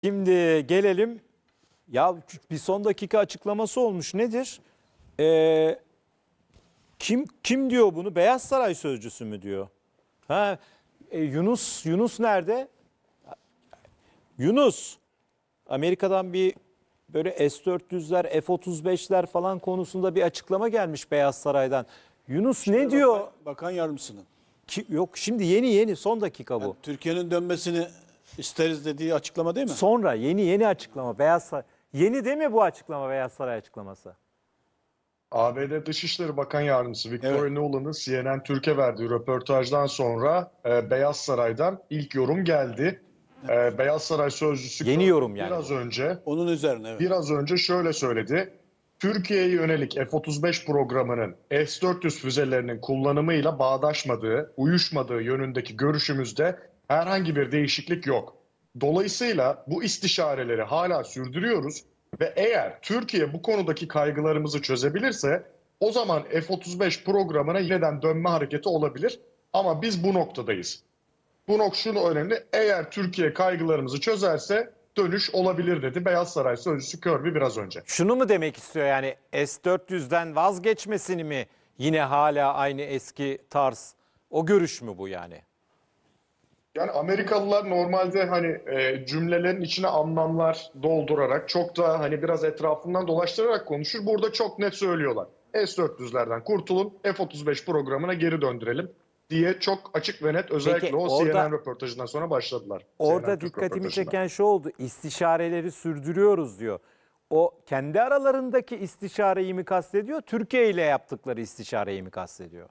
Şimdi gelelim. Ya bir son dakika açıklaması olmuş. Nedir? Kim diyor bunu? Beyaz Saray sözcüsü mü diyor? Ha, Yunus nerede? Yunus. Amerika'dan bir böyle S-400'ler, F-35'ler falan konusunda bir açıklama gelmiş Beyaz Saray'dan. Yunus ne diyor? Bakan yardımcısının. Yok şimdi yeni son dakika bu. Yani Türkiye'nin dönmesini isteriz dediği açıklama değil mi? Sonra yeni açıklama Beyaz Saray. Yeni değil mi bu açıklama, Beyaz Saray açıklaması? ABD Dışişleri Bakan Yardımcısı Victoria Evet. Nuland'ın CNN Türk'e verdiği röportajdan sonra Beyaz Saray'dan ilk yorum geldi. Beyaz Saray sözcüsü Yeni yorum yani biraz bu. önce Onun üzerine evet. biraz önce şöyle söyledi. Türkiye'ye yönelik F-35 programının S-400 füzelerinin kullanımıyla bağdaşmadığı, uyuşmadığı yönündeki görüşümüzde herhangi bir değişiklik yok. Dolayısıyla bu istişareleri hala sürdürüyoruz ve eğer Türkiye bu konudaki kaygılarımızı çözebilirse o zaman F-35 programına yeniden dönme hareketi olabilir. Ama biz bu noktadayız. Şunu önemli. Eğer Türkiye kaygılarımızı çözerse dönüş olabilir dedi Beyaz Saray sözcüsü Kirby biraz önce. Şunu mu demek istiyor, yani S-400'den vazgeçmesini mi, yine hala aynı eski tarz, o görüş mü bu yani? Yani Amerikalılar normalde cümlelerin içine anlamlar doldurarak çok da biraz etrafından dolaştırarak konuşur. Burada çok net söylüyorlar. S-400'lerden kurtulun, F-35 programına geri döndürelim diye çok açık ve net, özellikle Peki, o orada- CNN röportajından sonra başladılar. Orada CNN Türk dikkatimi röportajından. çeken şu oldu, istişareleri sürdürüyoruz diyor. O kendi aralarındaki istişareyi mi kastediyor, Türkiye ile yaptıkları istişareyi mi kastediyor?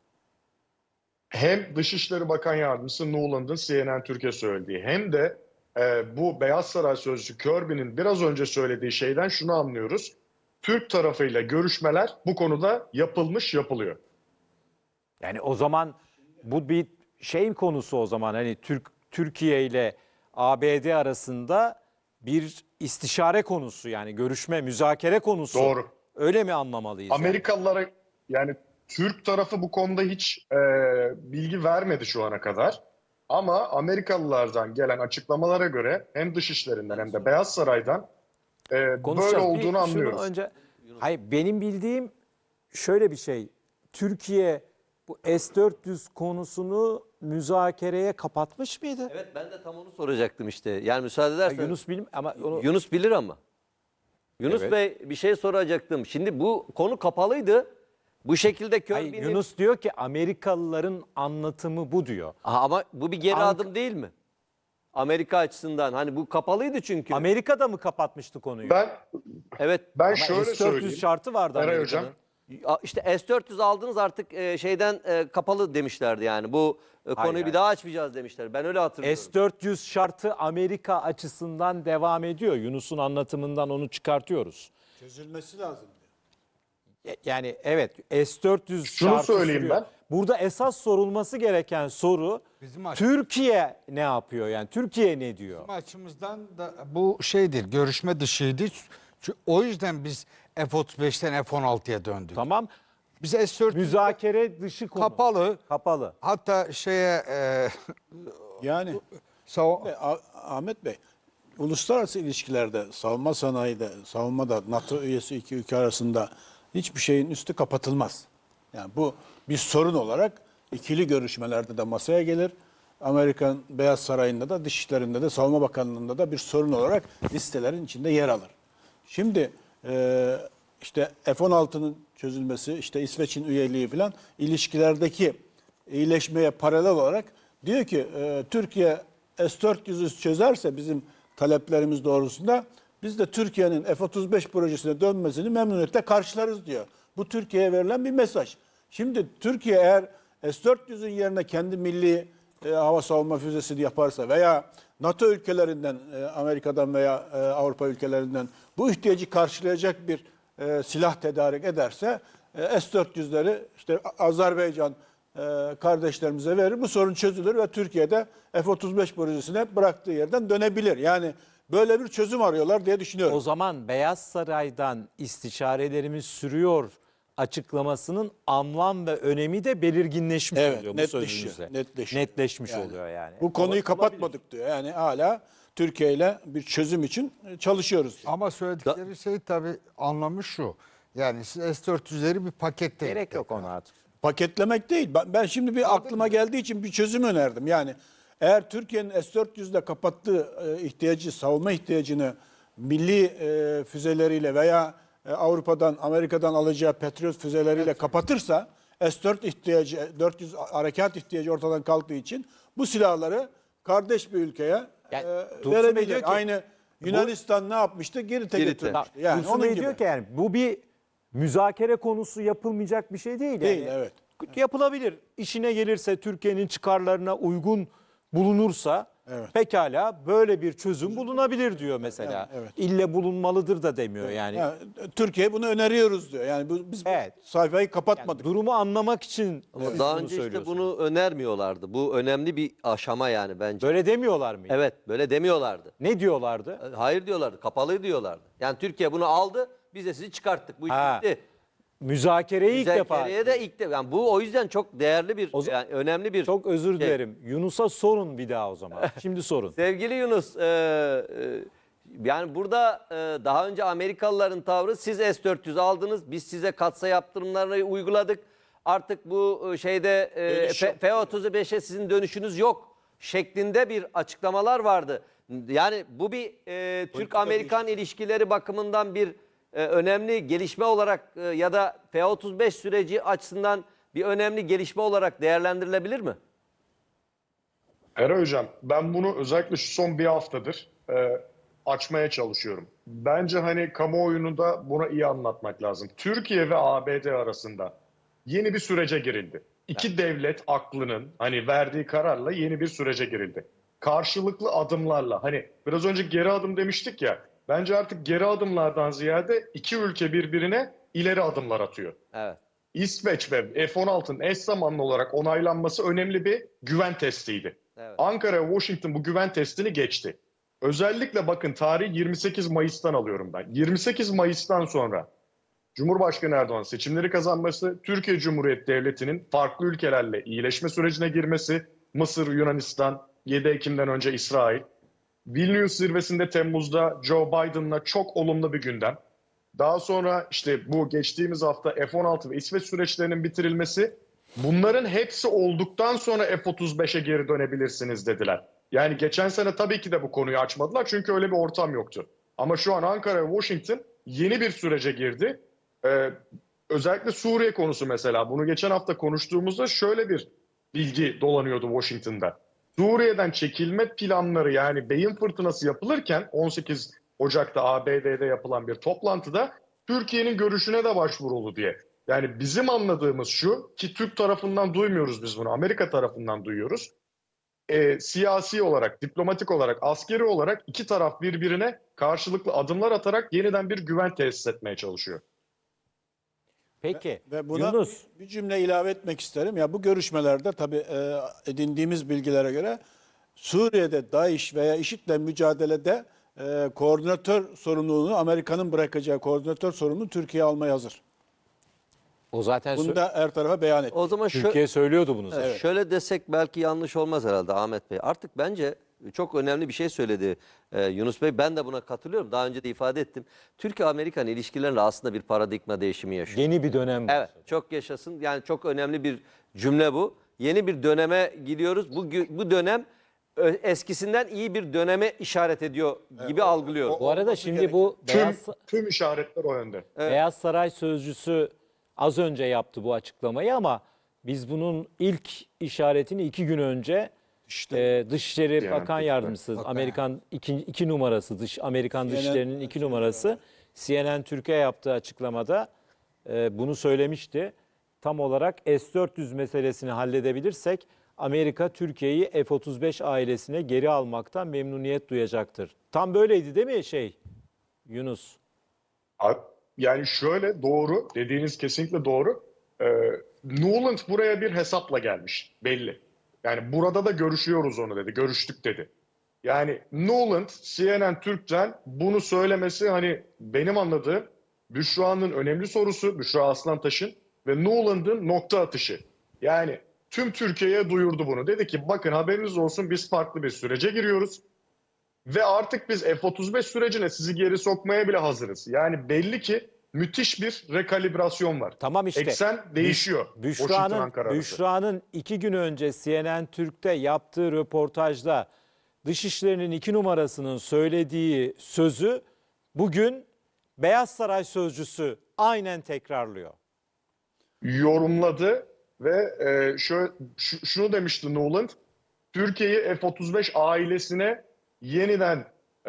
Hem Dışişleri Bakan Yardımcısı Nuland'ın CNN Türkiye söylediği hem de bu Beyaz Saray sözcüsü Kirby'nin biraz önce söylediği şeyden şunu anlıyoruz. Türk tarafıyla görüşmeler bu konuda yapılıyor. Yani o zaman bu bir şeyin konusu, o zaman hani Türkiye ile ABD arasında bir istişare konusu, yani görüşme, müzakere konusu. Doğru. Öyle mi anlamalıyız? Yani? Amerikalılara yani Türk tarafı bu konuda hiç bilgi vermedi şu ana kadar. Ama Amerikalılardan gelen açıklamalara göre hem Dışişlerinden hem de Beyaz Saray'dan böyle Konuşacağız. olduğunu Şunu anlıyoruz. önce, hayır, benim bildiğim şöyle bir şey. Türkiye bu S-400 konusunu müzakereye kapatmış mıydı? Evet, ben de tam onu soracaktım işte. Yani müsaade edersen. Yunus bilim ama onu, Yunus bilir ama. Yunus Evet. Bey, bir şey soracaktım. Şimdi bu konu kapalıydı. Bu şekilde hayır, Kirby'nin... Yunus diyor ki Amerikalıların anlatımı bu diyor. Aha, ama bu bir geri adım değil mi? Amerika açısından. Hani bu kapalıydı çünkü. Amerika da mı kapatmıştı konuyu? Evet. Ben Ama şöyle S-400 söyleyeyim. şartı vardı Eray Amerika'nın. Hocam. İşte S-400 aldınız artık şeyden kapalı demişlerdi yani. Bu konuyu hayır. bir daha açmayacağız demişler. Ben öyle hatırlıyorum. S-400 şartı Amerika açısından devam ediyor. Yunus'un anlatımından onu çıkartıyoruz. Çözülmesi lazım. Yani evet, S-400 Şunu şartı söyleyeyim sürüyor. ben. Burada esas sorulması gereken soru, Türkiye ne yapıyor? Yani Türkiye ne diyor? Bizim açımızdan da bu şeydir, görüşme dışıydı. O yüzden biz F-35'ten F-16'ya döndük. Tamam. Biz S-400 Müzakere dışı konu. kapalı. Hatta Yani sava- Ahmet Bey, uluslararası ilişkilerde, savunma sanayide, savunmada NATO üyesi iki ülke arasında hiçbir şeyin üstü kapatılmaz. Yani bu bir sorun olarak ikili görüşmelerde de masaya gelir. Amerikan Beyaz Sarayı'nda da, Dışişleri'nde de, Savunma Bakanlığı'nda da bir sorun olarak listelerin içinde yer alır. Şimdi işte F-16'nın çözülmesi, işte İsveç'in üyeliği falan ilişkilerdeki iyileşmeye paralel olarak diyor ki Türkiye S-400'ü çözerse bizim taleplerimiz doğrusunda biz de Türkiye'nin F-35 projesine dönmesini memnuniyetle karşılarız diyor. Bu Türkiye'ye verilen bir mesaj. Şimdi Türkiye eğer S-400'ün yerine kendi milli hava savunma füzesini yaparsa veya NATO ülkelerinden, Amerika'dan veya Avrupa ülkelerinden bu ihtiyacı karşılayacak bir silah tedarik ederse S-400'leri işte Azerbaycan kardeşlerimize verir. Bu sorun çözülür ve Türkiye'de F-35 projesine bıraktığı yerden dönebilir. Yani böyle bir çözüm arıyorlar diye düşünüyorum. O zaman Beyaz Saray'dan istişarelerimiz sürüyor açıklamasının anlam ve önemi de belirginleşmiş Evet, oluyor bu netleşiyor, sözünüzle. netleşiyor. Netleşmiş Yani oluyor yani. Bu konuyu kapatmadık diyor. Yani hala Türkiye ile bir çözüm için çalışıyoruz. Ama söyledikleri şey tabii anlamı şu. Yani siz S-400'leri bir pakette Gerek yok ona artık. Paketlemek değil. Ben şimdi bir aklıma geldiği için bir çözüm önerdim. Yani eğer Türkiye'nin S-400'le kapattığı savunma ihtiyacını milli füzeleriyle veya Avrupa'dan, Amerika'dan alacağı Patriot füzeleriyle kapatırsa S-400 harekat ihtiyacı ortadan kalktığı için bu silahları kardeş bir ülkeye Yani Dursun Bey verebilecek. diyor ki, Aynı Yunanistan ne yapmıştı? Girit'e götürmüştü. Yani Dursun onun Bey gibi. diyor ki yani bu bir müzakere konusu, yapılmayacak bir şey değil. Değil, yani. evet. Yapılabilir. İşine gelirse, Türkiye'nin çıkarlarına uygun bulunursa Evet. pekala böyle bir çözüm bulunabilir diyor mesela. Evet. İlle bulunmalıdır da demiyor yani. Yani Türkiye bunu öneriyoruz diyor. Yani biz Evet. bu sayfayı Yani kapatmadık. durumu anlamak için Ama siz daha bunu önce işte söylüyorsunuz. bunu önermiyorlardı. Bu önemli bir aşama yani bence. Böyle demiyorlar mı? Evet, böyle demiyorlardı. Ne diyorlardı? Hayır diyorlardı, kapalı diyorlardı. Yani Türkiye bunu aldı, biz de sizi çıkarttık. Bu iş Ha, bitti. Müzakereyi ilk defa. Müzakereye de ilk defa. Yani bu o yüzden çok değerli bir, yani önemli bir. Çok özür şey. dilerim. Yunus'a sorun bir daha o zaman. Şimdi sorun. Sevgili Yunus, yani burada daha önce Amerikalıların tavrı siz S-400 aldınız, biz size katsayı yaptırımlarını uyguladık. Artık bu şeyde Dönüş yok. F-35'e sizin dönüşünüz yok şeklinde bir açıklamalar vardı. Yani bu bir Türk-Amerikan ilişkileri bakımından bir önemli gelişme olarak ya da F-35 süreci açısından bir önemli gelişme olarak değerlendirilebilir mi? Eray Hocam, ben bunu özellikle şu son bir haftadır açmaya çalışıyorum. Bence hani kamuoyunu da buna iyi anlatmak lazım. Türkiye ve ABD arasında yeni bir sürece girildi. İki devlet aklının hani verdiği kararla yeni bir sürece girildi. Karşılıklı adımlarla, hani biraz önce geri adım demiştik ya, bence artık geri adımlardan ziyade iki ülke birbirine ileri adımlar atıyor. Evet. İsveç ve F-16'nın eş zamanlı olarak onaylanması önemli bir güven testiydi. Evet. Ankara ve Washington bu güven testini geçti. Özellikle bakın, tarih 28 Mayıs'tan alıyorum ben. 28 Mayıs'tan sonra Cumhurbaşkanı Erdoğan seçimleri kazanması, Türkiye Cumhuriyeti Devleti'nin farklı ülkelerle iyileşme sürecine girmesi, Mısır, Yunanistan, 7 Ekim'den önce İsrail, Vilnius zirvesinde Temmuz'da Joe Biden'la çok olumlu bir gündem. Daha sonra işte bu geçtiğimiz hafta F-16 ve İsveç süreçlerinin bitirilmesi, bunların hepsi olduktan sonra F-35'e geri dönebilirsiniz dediler. Yani geçen sene tabii ki de bu konuyu açmadılar çünkü öyle bir ortam yoktu. Ama şu an Ankara ve Washington yeni bir sürece girdi. Özellikle Suriye konusu mesela. Bunu geçen hafta konuştuğumuzda şöyle bir bilgi dolanıyordu Washington'da. Suriye'den çekilme planları, yani beyin fırtınası yapılırken 18 Ocak'ta ABD'de yapılan bir toplantıda Türkiye'nin görüşüne de başvuruldu diye. Yani bizim anladığımız şu ki Türk tarafından duymuyoruz biz bunu, Amerika tarafından duyuyoruz. Siyasi olarak, diplomatik olarak, askeri olarak iki taraf birbirine karşılıklı adımlar atarak yeniden bir güven tesis etmeye çalışıyor. Peki Ve buna Yunus. bir cümle ilave etmek isterim. Ya bu görüşmelerde tabii edindiğimiz bilgilere göre Suriye'de DAEŞ veya IŞİD'le mücadelede koordinatör sorumluluğunu, Amerika'nın bırakacağı koordinatör sorumluluğunu Türkiye almaya hazır. O zaten Bunu da her tarafa beyan etti. O zaman Türkiye söylüyordu bunu zaten. şöyle desek belki yanlış olmaz herhalde Ahmet Bey. Artık bence çok önemli bir şey söyledi Yunus Bey. Ben de buna katılıyorum. Daha önce de ifade ettim. Türkiye-Amerikan ilişkilerinde aslında bir paradigma değişimi yaşıyor. Yeni bir dönem. Evet, çok yaşasın. Yani çok önemli bir cümle bu. Yeni bir döneme gidiyoruz. Bu dönem eskisinden iyi bir döneme işaret ediyor gibi algılıyorum. Bu arada şimdi bu Tüm işaretler o yönde. Beyaz Saray sözcüsü az önce yaptı bu açıklamayı ama biz bunun ilk işaretini 2 gün önce Dışişleri Yani Bakan peki. Yardımcısı, Amerikan iki numarası, Amerikan CNN Dışişleri'nin 2 numarası CNN Türkiye yaptığı açıklamada bunu söylemişti. Tam olarak S-400 meselesini halledebilirsek Amerika Türkiye'yi F-35 ailesine geri almaktan memnuniyet duyacaktır. Tam böyleydi değil mi Yunus? Yani şöyle, doğru, dediğiniz kesinlikle doğru. Nuland buraya bir hesapla gelmiş belli. Yani burada da görüşüyoruz onu dedi, görüştük dedi. Yani Nuland, CNN Türk'ten bunu söylemesi, hani benim anladığım Büşra'nın önemli sorusu, Büşra Aslantaş'ın ve Nuland'ın nokta atışı. Yani tüm Türkiye'ye duyurdu bunu. Dedi ki bakın haberiniz olsun, biz farklı bir sürece giriyoruz. Ve artık biz F-35 sürecine sizi geri sokmaya bile hazırız. Yani belli ki müthiş bir rekalibrasyon var. Tamam işte. Eksen değişiyor. Washington, Ankara arası. Büşra'nın 2 gün önce CNN Türk'te yaptığı röportajda Dışişleri'nin 2 numarasının söylediği sözü bugün Beyaz Saray sözcüsü aynen tekrarlıyor. Yorumladı ve şunu demişti Nuland. Türkiye'yi F-35 ailesine yeniden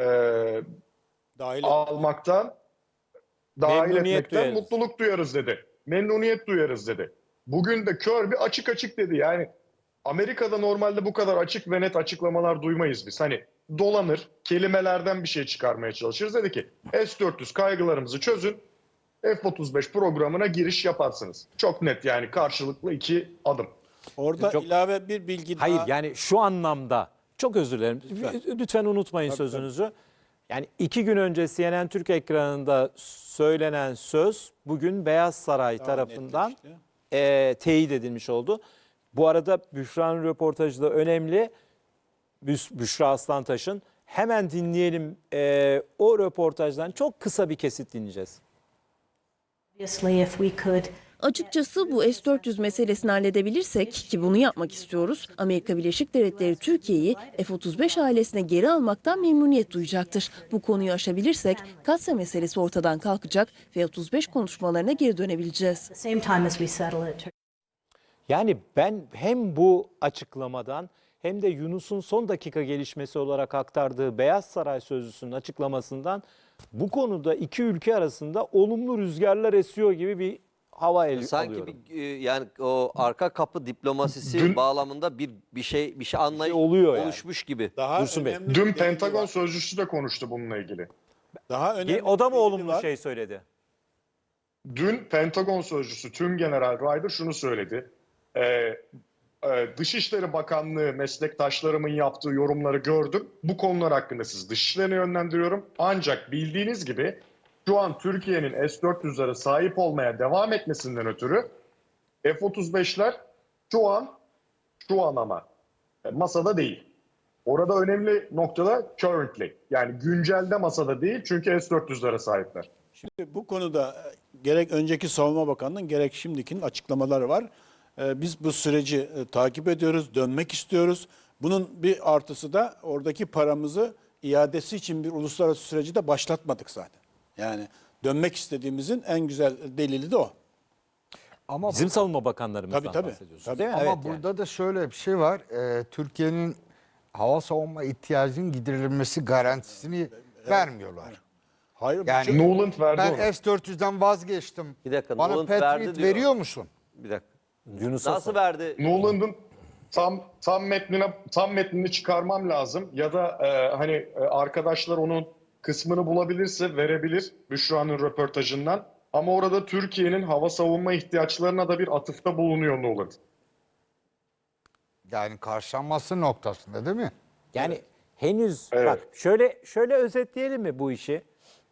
Dahil almaktan, dahil Memnuniyet etmekten duyarız. mutluluk duyarız dedi. Memnuniyet duyarız dedi. Bugün de Kirby açık açık dedi. Yani Amerika'da normalde bu kadar açık ve net açıklamalar duymayız biz. Hani dolanır, kelimelerden bir şey çıkarmaya çalışırız. Dedi ki S-400 kaygılarımızı çözün, F-35 programına giriş yaparsınız. Çok net yani karşılıklı 2 adım. Orada Çok- ilave bir bilgi Hayır daha. yani şu anlamda çok özür dilerim. Lütfen unutmayın sözünüzü. Yani 2 gün önce CNN Türk ekranında söylenen söz bugün Beyaz Saray tarafından teyit edilmiş oldu. Bu arada Büşra'nın röportajı da önemli. Büşra Aslantaş'ın. Hemen dinleyelim. O röportajdan çok kısa bir kesit dinleyeceğiz. Obviously, if we could Açıkçası bu S-400 meselesini halledebilirsek, ki bunu yapmak istiyoruz, Amerika Birleşik Devletleri Türkiye'yi F-35 ailesine geri almaktan memnuniyet duyacaktır. Bu konuyu aşabilirsek Katsa meselesi ortadan kalkacak ve F-35 konuşmalarına geri dönebileceğiz. at the same time as we settle it, Yani ben hem bu açıklamadan hem de Yunus'un son dakika gelişmesi olarak aktardığı Beyaz Saray sözcüsünün açıklamasından bu konuda iki ülke arasında olumlu rüzgarlar esiyor gibi bir hava Sanki alıyorum. yani o arka kapı diplomasisi bağlamında bir şey anlayış oluyor yani. oluşmuş gibi. daha Dursun Bey. önemli bir Dün bilgi Pentagon var. sözcüsü de konuştu bununla ilgili. Daha önemli O da mı bir bilgi olumlu var. şey söyledi? Dün Pentagon sözcüsü Tümgeneral Ryder şunu söyledi. Dışişleri Bakanlığı meslektaşlarımın yaptığı yorumları gördüm. Bu konular hakkında siz Dışişleri'ne yönlendiriyorum. Ancak bildiğiniz gibi şu an Türkiye'nin S-400'lere sahip olmaya devam etmesinden ötürü F-35'ler şu an ama masada değil. Orada önemli noktada currently, yani güncelde masada değil çünkü S-400'lere sahipler. Şimdi bu konuda gerek önceki Savunma Bakanlığı'nın gerek şimdikinin açıklamaları var. Biz bu süreci takip ediyoruz, dönmek istiyoruz. Bunun bir artısı da oradaki paramızı iadesi için bir uluslararası süreci de başlatmadık zaten. Yani dönmek istediğimizin en güzel delili de o. Ama Bizim savunma bakanlarımızdan Tabii. bahsediyorsunuz Tabii. değil mi? Ama Evet, burada da şöyle bir şey var. Türkiye'nin hava savunma ihtiyacının giderilmesi garantisini vermiyorlar. Hayır, Yani Nuland verdi ben onu. S-400'den vazgeçtim. Bir dakika, Bana Nuland verdi Patriot diyor. veriyor musun? Bir dakika. Yunus'a Nasıl sor. verdi? Nuland'ın tam metnini çıkarmam lazım ya da arkadaşlar onun kısmını bulabilirse verebilir Büşra'nın röportajından. Ama orada Türkiye'nin hava savunma ihtiyaçlarına da bir atıfta bulunuyor Nuland. Yani karşılanması noktasında değil mi? Yani henüz Evet. bak şöyle özetleyelim mi bu işi?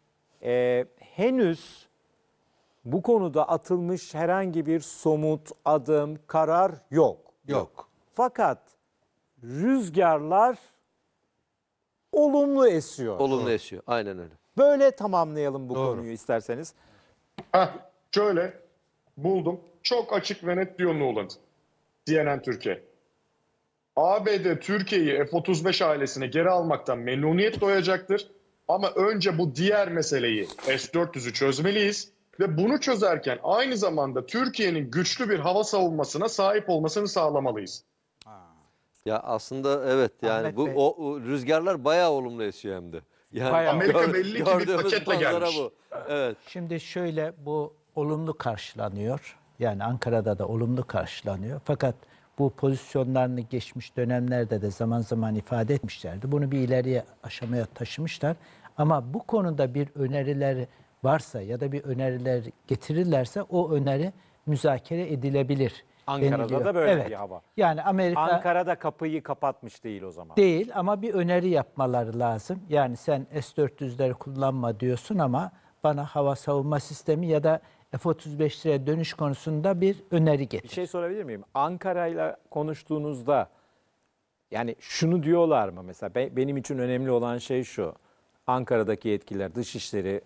Henüz bu konuda atılmış herhangi bir somut adım, karar yok. Yok. Fakat rüzgarlar olumlu esiyor. Olumlu esiyor. Aynen öyle. Böyle tamamlayalım bu konuyu isterseniz. Şöyle buldum. Çok açık ve net diyor Nuland. CNN Türkiye. ABD Türkiye'yi F-35 ailesine geri almaktan memnuniyet duyacaktır. Ama önce bu diğer meseleyi S-400'ü çözmeliyiz. Ve bunu çözerken aynı zamanda Türkiye'nin güçlü bir hava savunmasına sahip olmasını sağlamalıyız. Ya aslında evet yani Ahmet bu Bey. o rüzgarlar bayağı olumlu esiyor hem de. Yani Bayağı. Amerika belli ki bir gördüğümüz paketle manzara gelmiş. bu. Evet. Şimdi şöyle bu olumlu karşılanıyor. Yani Ankara'da da olumlu karşılanıyor. Fakat bu pozisyonlarını geçmiş dönemlerde de zaman zaman ifade etmişlerdi. Bunu bir ileriye aşamaya taşımışlar. Ama bu konuda bir önerileri varsa ya da bir öneriler getirirlerse o öneri müzakere edilebilir. Ankara'da deniliyor. da böyle Evet. bir hava. Yani Amerika Ankara'da kapıyı kapatmış değil o zaman. değil ama bir öneri yapmaları lazım. Yani sen S-400'leri kullanma diyorsun ama bana hava savunma sistemi ya da F-35'lere dönüş konusunda bir öneri Bir getir. şey sorabilir miyim? Ankara'yla konuştuğunuzda Yani şunu diyorlar mı mesela, benim için önemli olan şey şu. Ankara'daki yetkililer, Dışişleri,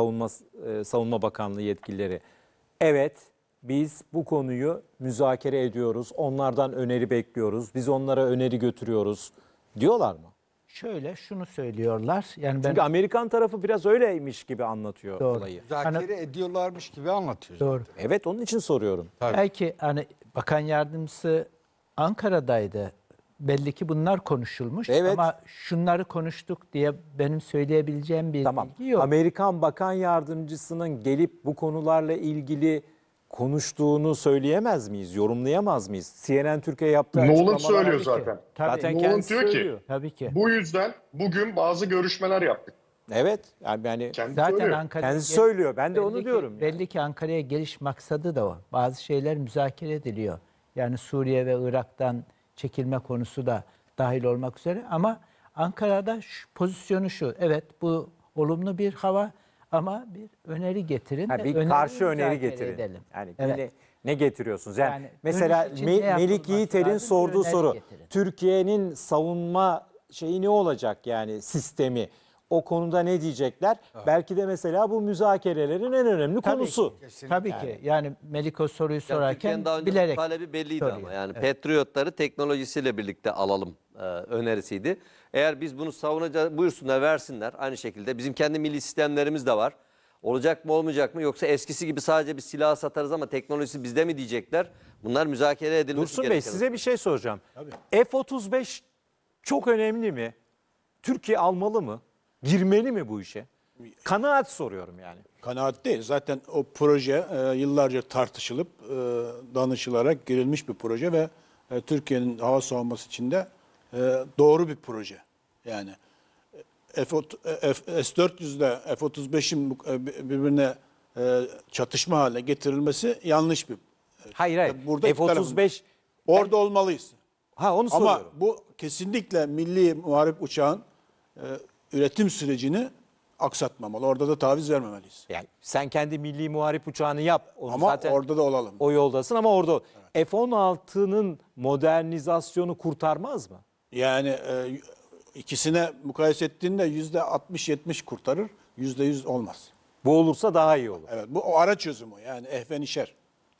Savunma Bakanlığı yetkilileri, evet biz bu konuyu müzakere ediyoruz, onlardan öneri bekliyoruz, biz onlara öneri götürüyoruz diyorlar mı? Şöyle şunu söylüyorlar. Yani ben Çünkü Amerikan tarafı biraz öyleymiş gibi anlatıyor Doğru. olayı. Müzakere ediyorlarmış gibi anlatıyor. doğru. Evet, onun için soruyorum. Belki hani bakan yardımcısı Ankara'daydı. Belli ki bunlar konuşulmuş Evet. ama şunları konuştuk diye benim söyleyebileceğim bir Tamam. bilgi yok. Amerikan Bakan Yardımcısının gelip bu konularla ilgili konuştuğunu söyleyemez miyiz, yorumlayamaz mıyız? CNN Türkiye yaptığı Nolan açıklamalar... söylüyor ki. zaten. Tabii. Zaten Nolan kendisi diyor ki, söylüyor. Tabii ki. Bu yüzden bugün bazı görüşmeler yaptık. Evet, yani Kendi Zaten söylüyor. Ankara'ya kendisi söylüyor. Ben de onu belli ki- diyorum. yani. Belli ki Ankara'ya geliş maksadı da o. Bazı şeyler müzakere ediliyor. Yani Suriye ve Irak'tan çekilme konusu da dahil olmak üzere. Ama Ankara'da pozisyonu şu. Evet, bu olumlu bir hava ama bir öneri getirin. Ha, ve bir öneriyi karşı öneri müzakere getirin. edelim. Yani Evet. ne getiriyorsunuz? Yani, Yani mesela dönüş için ne Melik yapılması Yiğiter'in lazım? Bir sorduğu öneri soru, getirin. Türkiye'nin savunma şeyi ne olacak, yani sistemi? O konuda ne diyecekler? Belki de mesela bu müzakerelerin en önemli konusu. Tabii ki. Yani Melik o soruyu Yani sorarken Türkiye'nin daha önce bilerek talebi belliydi soruyor. ama yani Patriotları teknolojisiyle birlikte alalım önerisiydi. Eğer biz bunu savunacağız, buyursunlar, versinler. Aynı şekilde bizim kendi milli sistemlerimiz de var. Olacak mı olmayacak mı, yoksa eskisi gibi sadece bir silah satarız ama teknolojisi bizde mi diyecekler. Bunlar müzakere edilmesi Dursun Bey, gereken. size bir şey soracağım. F-35 çok önemli mi? Türkiye almalı mı? Girmeli mi bu işe? Kanaat soruyorum yani. Kanaat değil. Zaten o proje yıllarca tartışılıp danışılarak girilmiş bir proje ve Türkiye'nin hava savunması için de doğru bir proje. Yani S-400 ile F-35'in birbirine çatışma haline getirilmesi yanlış bir. Hayır. Burada iki tarafın- F-35 Orada olmalıyız. onu Ama soruyorum. bu kesinlikle milli muharip uçağın üretim sürecini aksatmamalı. Orada da taviz vermemeliyiz. Yani sen kendi milli muharip uçağını yap. Onu Ama zaten orada da olalım. o yoldasın ama orada F-16'nın modernizasyonu kurtarmaz mı? Yani ikisine mukayese ettiğinde %60-70 kurtarır, %100 olmaz. Bu olursa daha iyi olur. Evet, bu o ara çözümü yani ehvenişer.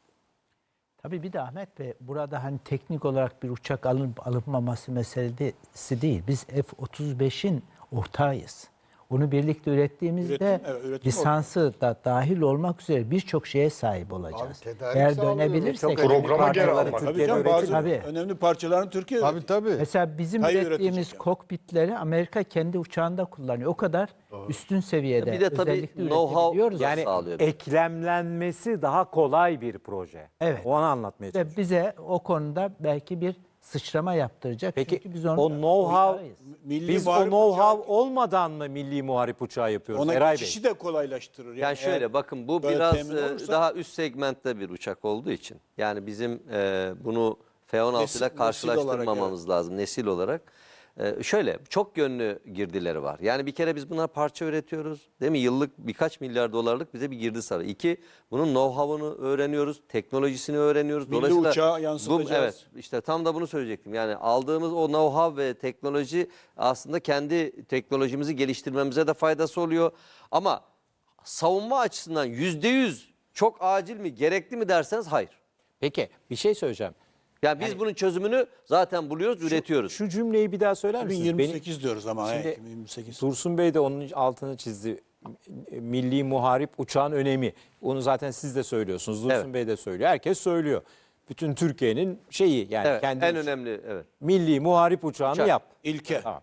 Tabii bir de Ahmet Bey, burada hani teknik olarak bir uçak alınmaması meselesi değil. Biz F-35'in ortağıyız. Onu birlikte ürettiğimizde üretim lisansı da dahil olmak üzere birçok şeye sahip olacağız. tedarik Eğer sağlıyoruz. dönebilirsek Çok önemli Programa geri parçaları almak. Tabii Türkiye'de canım, üretilir. bazı Tabii. önemli parçalarını Türkiye Tabii tabii. mesela bizim Hayır, ürettiğimiz üretecek yani. kokpitleri Amerika kendi uçağında kullanıyor. O kadar üstün seviyede. Bir de tabii özellikle know-how üretebiliyoruz. Yani sağlıyor. eklemlenmesi daha kolay bir proje. Evet. O an anlatmaya çalışıyorum. Ve bize o konuda belki bir sıçrama yaptıracak. Peki Çünkü biz onu o know-how, Milli biz o muharip know-how uçağı- olmadan mı milli muharip uçağı yapıyoruz ona Eray Bey? geçişi de kolaylaştırır. Yani şöyle eğer bakın, bu böyle biraz temin olursa- daha üst segmentte bir uçak olduğu için. Yani bizim bunu F-16 Nesil ile olarak, karşılaştırmamamız lazım nesil olarak. Şöyle çok yönlü girdileri var. Yani bir kere biz buna parça üretiyoruz. Değil mi? Yıllık birkaç milyar dolarlık bize bir girdi sarıyor. İki, bunun know-how'unu öğreniyoruz. Teknolojisini öğreniyoruz. Milli uçağa yansıtacağız. Evet, işte tam da bunu söyleyecektim. Yani aldığımız o know-how ve teknoloji aslında kendi teknolojimizi geliştirmemize de faydası oluyor. Ama savunma açısından %100 çok acil mi, gerekli mi derseniz hayır. Peki bir şey söyleyeceğim. Yani biz bunun çözümünü zaten buluyoruz, üretiyoruz. Şu cümleyi bir daha söyler misiniz? 2028 diyoruz ama. Şimdi 2028. Dursun Bey de onun altını çizdi. Milli muharip uçağın önemi. Onu zaten siz de söylüyorsunuz. Dursun Evet. Bey de söylüyor. Herkes söylüyor. Bütün Türkiye'nin şeyi yani Evet, kendi en önemli, evet. milli muharip uçağını Uçak. yap. İlke. Tamam.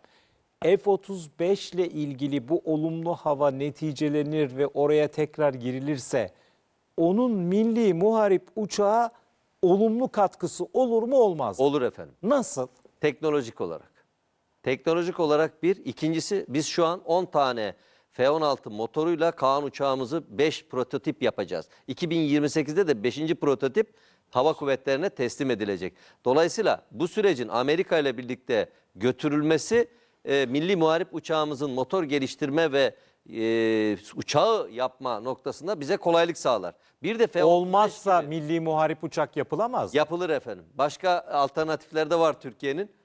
F-35 ile ilgili bu olumlu hava neticelenir ve oraya tekrar girilirse onun milli muharip uçağa olumlu katkısı olur mu olmaz mı? Olur efendim. Nasıl? Teknolojik olarak. Teknolojik olarak bir. İkincisi, biz şu an 10 tane F-16 motoruyla Kaan uçağımızı 5 prototip yapacağız. 2028'de de 5. prototip hava kuvvetlerine teslim edilecek. Dolayısıyla bu sürecin Amerika ile birlikte götürülmesi milli muharip uçağımızın motor geliştirme ve uçağı yapma noktasında bize kolaylık sağlar. Bir de F-35 Olmazsa gibi milli muharip uçak yapılamaz mı? yapılır efendim. Başka alternatifler de var Türkiye'nin.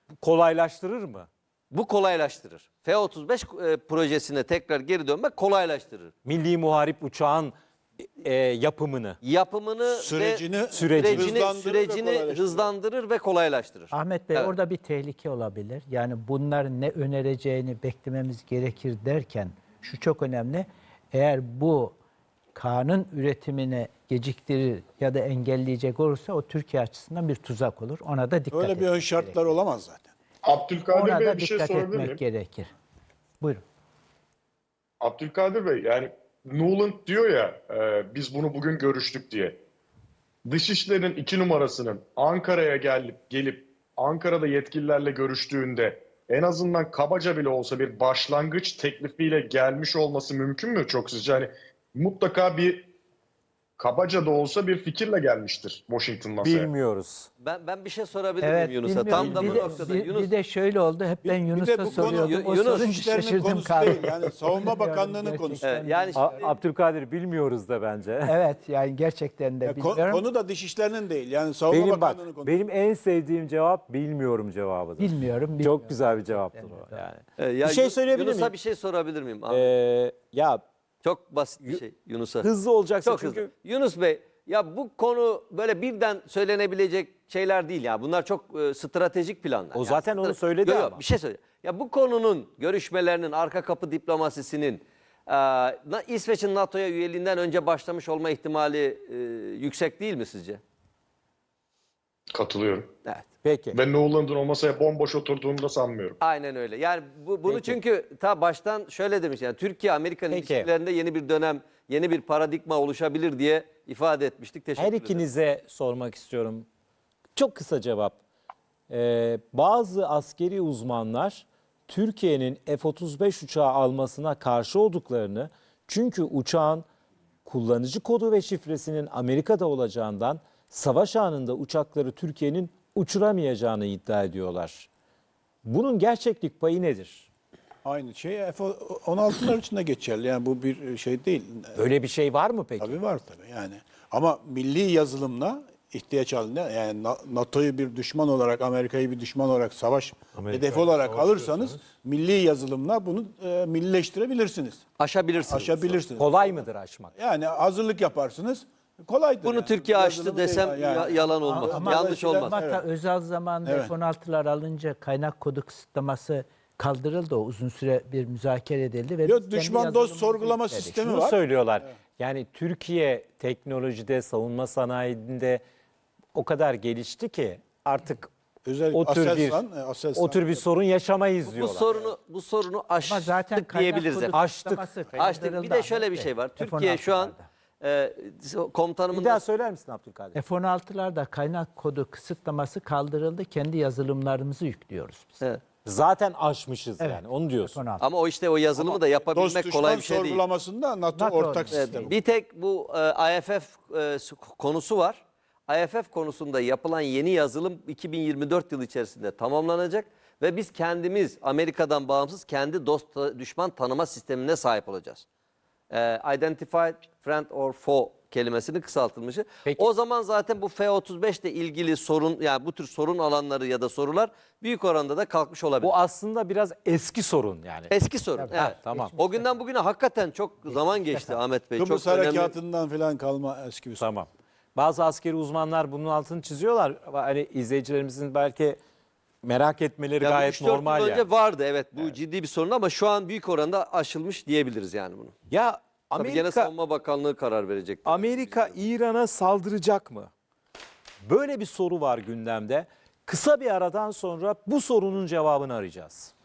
kolaylaştırır mı? Bu kolaylaştırır. F-35 projesine tekrar geri dönmek kolaylaştırır. Milli Muharip uçağın yapımını. Yapımını Sürecini- ve Sürecini hızlandırır ve hızlandırır ve kolaylaştırır. Ahmet Bey Evet. orada bir tehlike olabilir. Yani bunların ne önereceğini beklememiz gerekir derken şu çok önemli. Eğer bu K'nın üretimini geciktirir ya da engelleyecek olursa o Türkiye açısından bir tuzak olur. Ona da dikkat Öyle bir etmek ön şartlar olamaz zaten. Abdülkadir Ona da Bey'e bir şey dikkat sorabilir miyim? etmek gerekir. Buyurun. Abdülkadir Bey, yani Nuland diyor ya biz bunu bugün görüştük diye. Dışişleri'nin 2 numarasının Ankara'ya gelip Ankara'da yetkililerle görüştüğünde en azından kabaca bile olsa bir başlangıç teklifiyle gelmiş olması mümkün mü çok sizce? Hani mutlaka bir kabaca da olsa bir fikirle gelmiştir Washington masaya. Bilmiyoruz. Ben bir şey sorabilir Evet, miyim Yunus'a? bilmiyorum. Tam da bu Bir de- noktada. bir- Yunus, bir de şöyle oldu. Hep ben Bir de Yunus'a bu konu soruyordum. O Yunus sorunca Dışişlerinin şaşırdım konusu kaldım. değil. Yani Savunma Bakanlığı'nın Gerçekten. konusu. evet, yani Abdülkadir bilmiyoruz da bence. Evet yani gerçekten de Ya bilmiyorum. konu da Dışişlerinin değil. Yani Savunma Bakanlığı'nın konusu. Benim en sevdiğim cevap bilmiyorum cevabıdır. Bilmiyorum. Çok güzel bir cevaptır o yani. ya bir şey söyleyebilir Yunus'a miyim? bir şey sorabilir miyim? Ya Çok basit bir şey Yunus'a. hızlı olacaksın Çok çünkü hızlı. Yunus Bey, ya bu konu böyle birden söylenebilecek şeyler değil ya. Bunlar çok stratejik planlar. O zaten onu söyledi Yok, yok, ama. bir şey söyle. Ya bu konunun görüşmelerinin, arka kapı diplomasisinin İsveç'in NATO'ya üyeliğinden önce başlamış olma ihtimali yüksek değil mi sizce? Katılıyorum. Evet. peki. Ve Nuland'ın o masaya bomboş oturduğunu da sanmıyorum. Aynen öyle. Yani bunu Peki. çünkü ta baştan şöyle demiş, yani Türkiye-Amerikan Peki. ilişkilerinde yeni bir dönem, yeni bir paradigma oluşabilir diye ifade etmiştik. Teşekkür Her ederim. ikinize sormak istiyorum. Çok kısa cevap. Bazı askeri uzmanlar Türkiye'nin F-35 uçağı almasına karşı olduklarını, çünkü uçağın kullanıcı kodu ve şifresinin Amerika'da olacağından savaş anında uçakları Türkiye'nin uçuramayacağını iddia ediyorlar. Bunun gerçeklik payı nedir? Aynı şey F-16'lar için de geçerli. Yani bu bir şey değil. Öyle bir şey var mı peki? Tabii var tabii yani. Ama milli yazılımla ihtiyaç halinde, yani NATO'yu bir düşman olarak, Amerika'yı bir düşman olarak, savaş hedefi olarak alırsanız milli yazılımla bunu millileştirebilirsiniz. Aşabilirsiniz. Aşabilirsiniz. Kolay mıdır aşmak? Yani hazırlık yaparsınız. Kolaydır. Bunu yani. Türkiye açtı Yazılım desem değil yani. yalan olmaz. Ama Yanlış eskiden- olmaz. Hatta Evet. özel zamanında Evet. F-16'lar alınca kaynak kodu kısıtlaması kaldırıldı. O uzun süre bir müzakere edildi. Ve Yok, biz kendi düşman dost yazılımımızı sorgulama yükledik. sistemi Şunu var. söylüyorlar. Yani Türkiye teknolojide, savunma sanayinde o kadar gelişti ki artık Özellikle o tür Aselsan, o tür bir sorun yaşamayız Bu diyorlar. sorunu Ama aştık zaten kaynak diyebiliriz. kodu efendim. kısıtlaması Açtık. Bir kaldırıldı de şöyle bir Ahmet şey var. Bey. Türkiye şu an komutanımın Bir daha da söyler misin Abdülkadir? F-16'larda kaynak kodu kısıtlaması kaldırıldı. Kendi yazılımlarımızı yüklüyoruz biz. Evet. Zaten aşmışız yani onu diyorsun. F-16. Ama o işte o yazılımı da dost yapabilmek düşman kolay bir şey değil. sorgulamasında NATO NATO ortak evet, sistemi. Bir tek bu IFF konusu var. IFF konusunda yapılan yeni yazılım 2024 yılı içerisinde tamamlanacak ve biz kendimiz Amerika'dan bağımsız kendi dost düşman tanıma sistemine sahip olacağız. Identified friend or foe kelimesinin kısaltılmışı. Peki. O zaman zaten bu F-35 ile ilgili sorun, yani bu tür sorun alanları ya da sorular büyük oranda da kalkmış olabilir. Bu aslında biraz eski sorun yani. Eski sorun. Ha, Evet. tamam. O günden bugüne hakikaten çok zaman geçti Ahmet Bey. Kıbrıs çok önemli. harekatından falan kalma eski bir sorun. Tamam. Bazı askeri uzmanlar bunun altını çiziyorlar. Hani izleyicilerimizin belki merak etmeleri Ya gayet 3-4 normal yıl yani. önce vardı, evet, bu ciddi bir sorun ama şu an büyük oranda aşılmış diyebiliriz yani bunu. Ya Tabii gene Amerika Savunma Bakanlığı karar verecek. Amerika İran'a saldıracak mı? Böyle bir soru var gündemde. Kısa bir aradan sonra bu sorunun cevabını arayacağız.